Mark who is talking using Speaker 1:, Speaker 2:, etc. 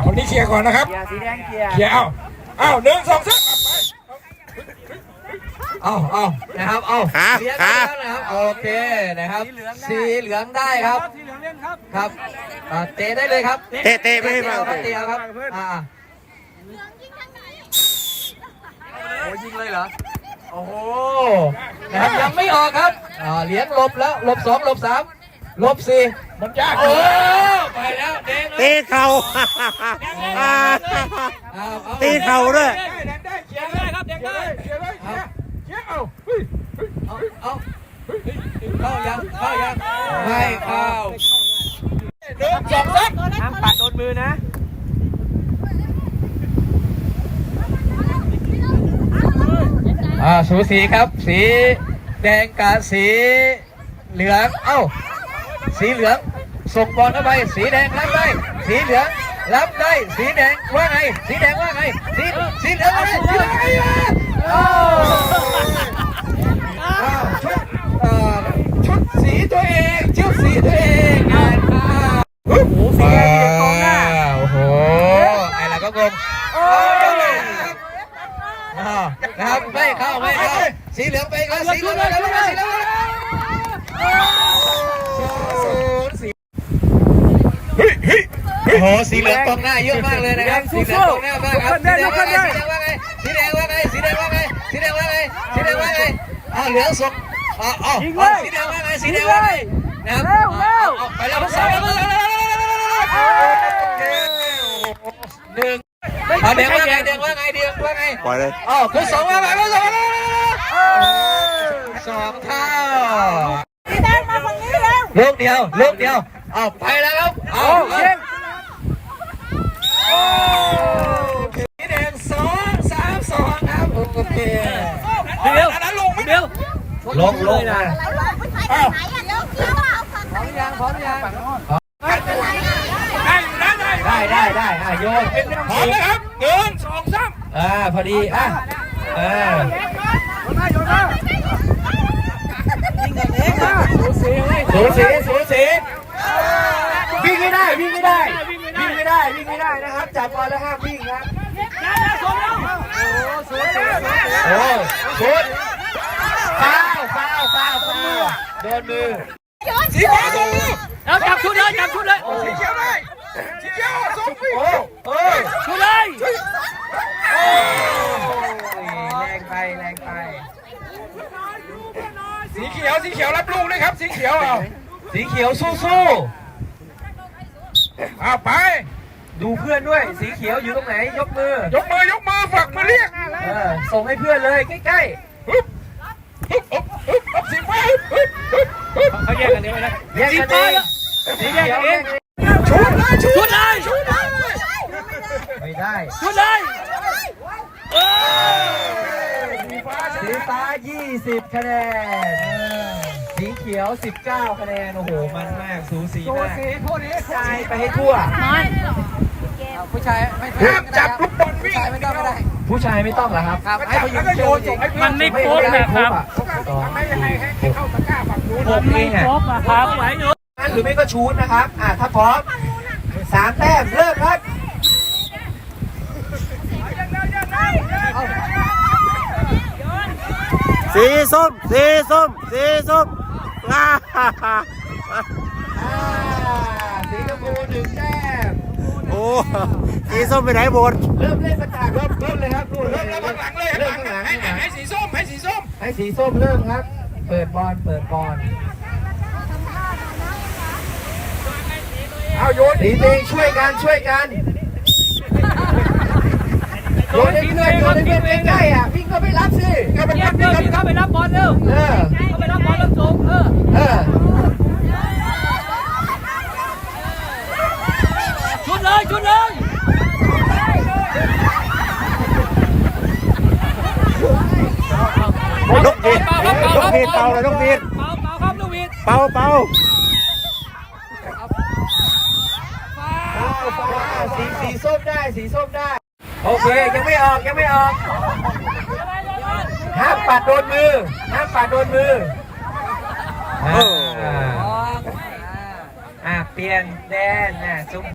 Speaker 1: คนนี้เคลียร์ก่อนนะครับ
Speaker 2: เกียร์สีแดงเกียร์
Speaker 1: เคลียร์เอา1 2 3ไป
Speaker 3: เอานะครับเอา
Speaker 4: ขา
Speaker 3: เลี้ยง
Speaker 4: ขา
Speaker 3: แล้วนะครับโอเคนะครับสีเหลืองได้ครับ
Speaker 2: สีเหลืองเล่นครับ
Speaker 3: ครับเตะได้เลยครับ
Speaker 4: เตะไม่ให้มา
Speaker 3: เตะครับโอ้ยิงเลยเหรอโอ้โหนะครับยังไม่ออกครับเหรียญหลบแล้วหลบ2หลบ3หลบ4
Speaker 1: มันยาก
Speaker 3: โอ้ไปแล้วเด้ง
Speaker 4: ตีเข่าตีเข่าด้วย
Speaker 1: ได้เคลียร์ได้ครับเคลียร์ได้เคลียร์ได้เคลียร์เอา
Speaker 3: เข้ายังไม่เข้า
Speaker 1: 1 2 3
Speaker 2: ห้ามปัดโดนมือนะ
Speaker 3: สูสีครับสีแดงกับสีเหลืองสีเหลืองส่งบอลเข้าไปสีแดงรับได้สีเหลืองรับได้สีแดงว่าไงสีแดงว่าไงสีเหลืองว่าไงสีเหลืองว่าไงชุดสีตัวเองชุดสีตัวเองโอ้โหสีแดงกองหน้าโอ้โหไอ้เราก็งงนะครับไม่เข้าสีเหลืองไปครับสีเหลืองไปแล้วสีเหลืองโอ้โหสีเหลืองกองหน้าเยอะมากเลยนะครับสีเหลืองกองหน้ามากครับสีแดงว่าไงสีแดงว่าไงสีแดงว่าไงสีแดงว่าไงสีแดงว่าไงเหลืองส่งสีแดงว่าไงสีแดงว่าไงนะครับไปแล้วสอง1แดงว่าไงแดงว่าไง
Speaker 4: ปล่อยเลย
Speaker 3: คุณ2ว่าไงคุณ2เท่า
Speaker 5: สีแดงมาฝั่งนี้แล้ว
Speaker 3: ลูกเดียวไปแล้วครับสีแดง2 3 2ครับโอเค
Speaker 1: เดี๋ยวลงไม่เดี๋ยว
Speaker 3: ลงนะ
Speaker 5: แล้วลงไปถ่ายไหนอ่ะเดี๋ยวเกี่ยวเอาฝั่งไหน
Speaker 3: พร้อมยัง
Speaker 1: ได้
Speaker 3: โยน
Speaker 1: พร้อมเลยครับ1 2 3
Speaker 3: พอดีสูสีวิ่งไม่ได้นะครับจับบอลแล้วห้ามวิ่งครับโอ้ชุดฟาวโดนมือ
Speaker 1: สีเขียวส่งมือ
Speaker 2: แล้วจับชุดเลย
Speaker 1: สีเขียวได้สีเขียวส่งมือ
Speaker 2: ชุดเลย
Speaker 3: แรงไป
Speaker 1: สีเขียวรับลูกเลยครับสีเขียว
Speaker 3: สีเขียวสู้
Speaker 1: ไป
Speaker 3: ดูเพื่อนด้วยสีเขียวอยู่ตรงไหนยกมือ
Speaker 1: ฝักมาเรียก
Speaker 3: ส่งให้เพื่อนเลยใกล้
Speaker 1: สีฟ้า
Speaker 2: เขาแยกกันเองนะ
Speaker 3: แยกกันเองสีเขียว
Speaker 1: ชุดเลย
Speaker 3: ไม่ได้
Speaker 2: ชุดเลย
Speaker 3: สีฟ้า20คะแนนสีเขียว19คะแนนโอ้โหมันมากสูสีมากชายไปให้ทั่วผู้ชายไม่
Speaker 1: จับลูกบอลวิ่ง
Speaker 3: ไม่ต้องก็ได้ผู้ชายไม่ต้องเหรอครับให้เขายิงเชือก
Speaker 2: มันไม่ครบนะครับ
Speaker 1: ไม่ให้เข้าตะกร้าฝั่งนู้น
Speaker 3: ผมเองอ่ะ
Speaker 2: ครบนะครับไหวหนู
Speaker 3: หรือไม่ก็ชูดนะครับถ้าพร้อม3 แต้มเริ่มครับ
Speaker 4: สีส้ม
Speaker 3: สีชมพู1 แต้ม
Speaker 4: โอ้สีส้มไปไหนหมด
Speaker 3: เริ่มเล่นประกาศเริ่มเลยครับเริ่ม
Speaker 1: ข้างหลังเลยให้สีส้ม
Speaker 3: ให้สีส้มเริ่มครับเปิดบอล
Speaker 1: เอาโยน
Speaker 3: สีแดงช่วยกันโยนให้เพื่อนใกล้วิ่งก็ไปรับสิ
Speaker 2: เข้าไปรับบอลเร็วเข้าไปรับบอลแล้วส่งชุดเลย
Speaker 4: นกหวีดเป่าเลยนกหวีด
Speaker 2: ครับนกหวีด
Speaker 4: เป่า
Speaker 3: สีส้มได้โอเคยังไม่ออกห้ามปัดโดนมือเปลี่ยนแดน